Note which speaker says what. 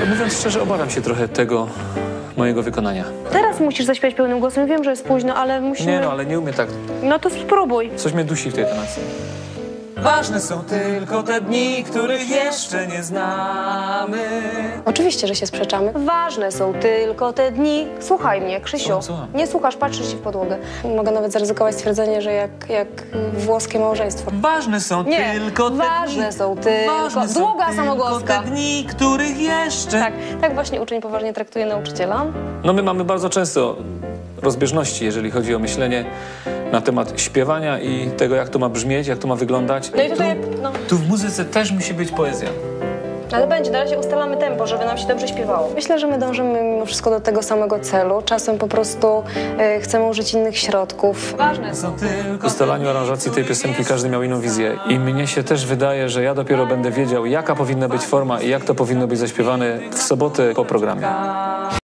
Speaker 1: Mówiąc szczerze, obawiam się trochę tego mojego wykonania.
Speaker 2: Teraz musisz zaśpiewać pełnym głosem. Wiem, że jest późno, ale musimy...
Speaker 1: Nie no, ale nie umiem tak.
Speaker 2: No to spróbuj.
Speaker 1: Coś mnie dusi w tej tonacji. Ważne są tylko te dni, których jeszcze nie znamy.
Speaker 3: Oczywiście, że się sprzeczamy.
Speaker 2: Ważne są tylko te dni. Słuchaj mnie, Krzysiu.
Speaker 1: Słucham.
Speaker 2: Nie słuchasz, patrzysz się w podłogę.
Speaker 3: Mogę nawet zaryzykować stwierdzenie, że jak włoskie małżeństwo.
Speaker 1: Ważne są
Speaker 2: Nie,
Speaker 1: tylko te
Speaker 2: ważne
Speaker 1: dni.
Speaker 2: są tylko...
Speaker 1: Ważne są
Speaker 2: Długa
Speaker 1: tylko
Speaker 2: samogłoska.
Speaker 1: te dni, których jeszcze...
Speaker 2: Tak właśnie uczeń poważnie traktuje nauczyciela.
Speaker 1: No my mamy bardzo często rozbieżności, jeżeli chodzi o myślenie na temat śpiewania i tego, jak to ma brzmieć, jak to ma wyglądać.
Speaker 2: No i tutaj, no...
Speaker 1: Tu w muzyce też musi być poezja.
Speaker 2: Ale będzie, na razie ustalamy tempo, żeby nam się dobrze śpiewało.
Speaker 3: Myślę, że my dążymy mimo wszystko do tego samego celu. Czasem po prostu chcemy użyć innych środków.
Speaker 2: Ważne są.
Speaker 1: W ustalaniu aranżacji tej piosenki każdy miał inną wizję i mnie się też wydaje, że ja dopiero będę wiedział, jaka powinna być forma i jak to powinno być zaśpiewane w sobotę po programie.